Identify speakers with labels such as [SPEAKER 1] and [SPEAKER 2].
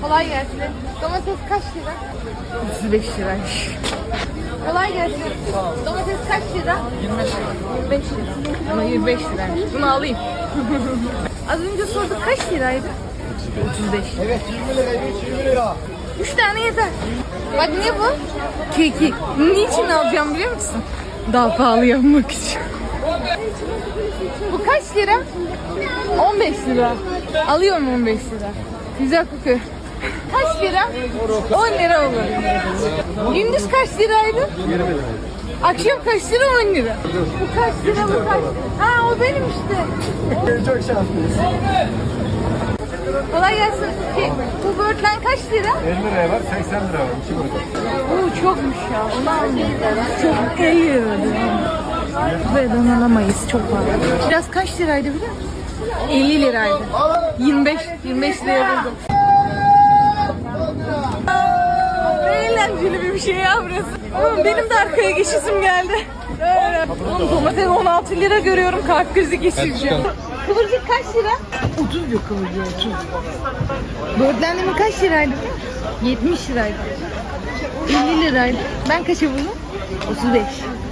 [SPEAKER 1] Kolay gelsin. Domates kaç lira? 35 liraymış. Kolay gelsin. Domates kaç lira? 25 lira. 25 lira. Ama 25 liraymış. Bunu alayım. Az önce sorduk kaç liraydı? 35.
[SPEAKER 2] Evet 20 lira, 20 lira.
[SPEAKER 1] 3 tane yeter. Bak ne bu? Keki. Niçin alacağım biliyor musun? Daha pahalı yapmak için. Bu kaç lira? 15 lira. Alıyorum 15 lira. Güzel kokuyor. Kaç lira? 10 lira olur. Gündüz kaç liraydı?
[SPEAKER 2] 20 lira.
[SPEAKER 1] Akşam kaç lira? 10 lira. Bu kaç lira? Bu kaç lira? Ha o benim işte.
[SPEAKER 2] Çok şanslıyız.
[SPEAKER 1] Kolay gelsin. Bu böğürtlen kaç lira?
[SPEAKER 2] 50 liraya var, 80 lira var. 2 burada.
[SPEAKER 1] Bu çokmuş ya. Onu almayayım. Çok 50 lira. Buradan alamayız. Çok pahalı. Biraz kaç liraydı biliyor musun? 50 liraydı. 25 liraya buldum. Ne eğlenceli bir şey ya burası. Oğlum benim de arkaya geçisim geldi. Oğlum domates 16 lira görüyorum. Kalp krizi geçireceğim. Kıvırcık kaç lira? 30 diyor kıvırcık 30. Böğürtlendiğimi kaç liraydı? 70 liraydı. 50 liraydı. Ben kaça buldum? 35.